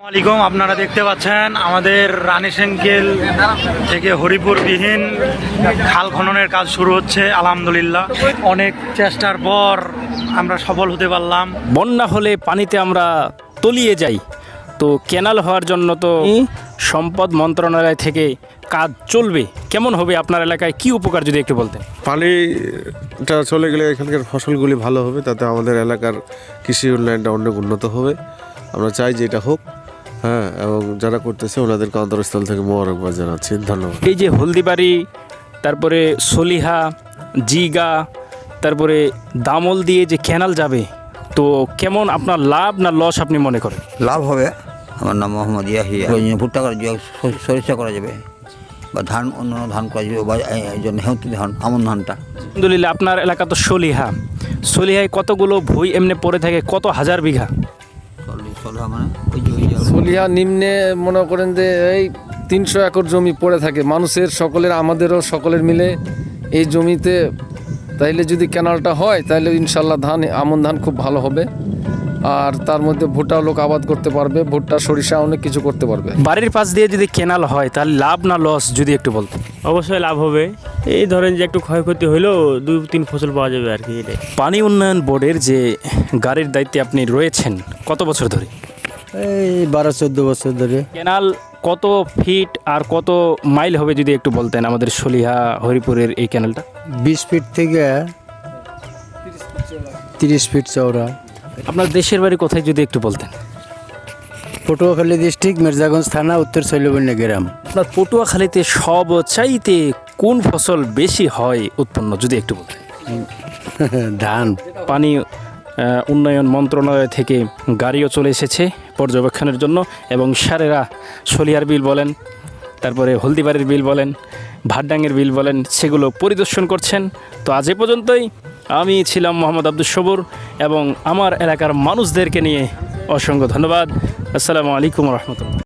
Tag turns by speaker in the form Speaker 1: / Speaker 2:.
Speaker 1: আসসালামাইকুম, আপনারা দেখতে পাচ্ছেন আমাদের রানীশঙ্কেল থেকে হরিপুরবিহীন খাল খননের কাজ শুরু হচ্ছে। আলহামদুলিল্লাহ অনেক চেষ্টার পর আমরা সফল হতে পারলাম।
Speaker 2: বন্যা হলে পানিতে আমরা তলিয়ে যাই, তো ক্যানাল হওয়ার জন্য তো সম্পদ মন্ত্রণালয় থেকে কাজ চলবে। কেমন হবে আপনার এলাকায়, কি উপকার যদি একটু বলতেন?
Speaker 3: পানিটা চলে গেলে এখানকার ফসলগুলি ভালো হবে, তাতে আমাদের এলাকার কৃষি উন্নয়নটা অনেক উন্নত হবে। আমরা চাই যে এটা হোক, হ্যাঁ, এবং যারা করতেছে ওনাদেরকে অন্তরস্থল থেকে মোবারকবাদ জানাচ্ছি। ধন্যবাদ।
Speaker 2: এই যে হলদিবাড়ি, তারপরে সলিহা, জিগা, তারপরে দামল দিয়ে যে ক্যানাল যাবে, তো কেমন আপনার লাভ না লস আপনি মনে করেন?
Speaker 4: লাভ হবে। আমার নাম মোহাম্মদ ইয়াহিয়া। ভুট্টা করা যাবে, সরিষা করা যাবে, বা ধান, অন্য ধান করা যাবে, বা এই জন্য হেঁতি ধান, আমন ধানটা।
Speaker 2: আলহামদুলিল্লাহ, আপনার এলাকা তো সলিহায় কতগুলো ভুঁই এমনি পড়ে থাকে, কত হাজার বিঘা?
Speaker 4: মানে
Speaker 5: সলিহা নিম্নে মনে করেন যে এই 300 একর জমি পড়ে থাকে মানুষের, সকলের, আমাদেরও সকলের মিলে এই জমিতে। তাইলে যদি ক্যানালটা হয় তাহলে ইনশাল্লাহ আমন ধান খুব ভালো হবে। আর তার মধ্যে ভুট্টা লোক আবাদ করতে পারবে, ভুট্টা, সরিষা, অনেক কিছু করতে পারবে।
Speaker 2: বাড়ির পাশ দিয়ে যদি ক্যানাল হয় তাহলে লাভ না লস যদি একটু বলতেন?
Speaker 6: অবশ্যই লাভ হবে। এই ধরেন যে একটু ক্ষয়ক্ষতি হলেও 2-3 ফসল পাওয়া যাবে আর কি। এটাই।
Speaker 2: পানি উন্নয়ন বোর্ডের যে গাড়ির দায়িত্বে আপনি রয়েছেন কত বছর ধরে?
Speaker 7: এই 12-14 বছর ধরে।
Speaker 2: ক্যানাল কত ফিট আর কত মাইল হবে যদি একটু বলতেন আমাদের সলিহা হরিপুরের এই ক্যানালটা?
Speaker 7: 20 ফিট থেকে 30 ফিট চওড়া।
Speaker 2: আপনার দেশের বাড়ি কোথায় যদি একটু বলতেন?
Speaker 7: পটুয়াখালী ডিস্ট্রিক্ট, মির্জাগঞ্জ থানা, উত্তর শৈলবন্যা গ্রাম।
Speaker 2: আপনার পটুয়াখালীতে সবচাইতে কোন ফসল বেশি হয় উৎপন্ন যদি একটু বলতেন?
Speaker 7: ধান।
Speaker 2: পানি উন্নয়ন মন্ত্রণালয় থেকে গাড়িও চলে এসেছে পর্যবেক্ষণের জন্য, এবং সারেরা সলিয়ার বিল বলেন, তারপরে হলদিবাড়ির বিল বলেন, ভাটডাঙ্গের বিল বলেন, সেগুলো পরিদর্শন করছেন। তো আজ এ পর্যন্তই। আমি ছিলাম মোহাম্মদ আব্দুস সবুর, এবং আমার এলাকার মানুষদেরকে নিয়ে অসংখ্য ধন্যবাদ। আসসালামু আলাইকুম রহমতুল্লাহ।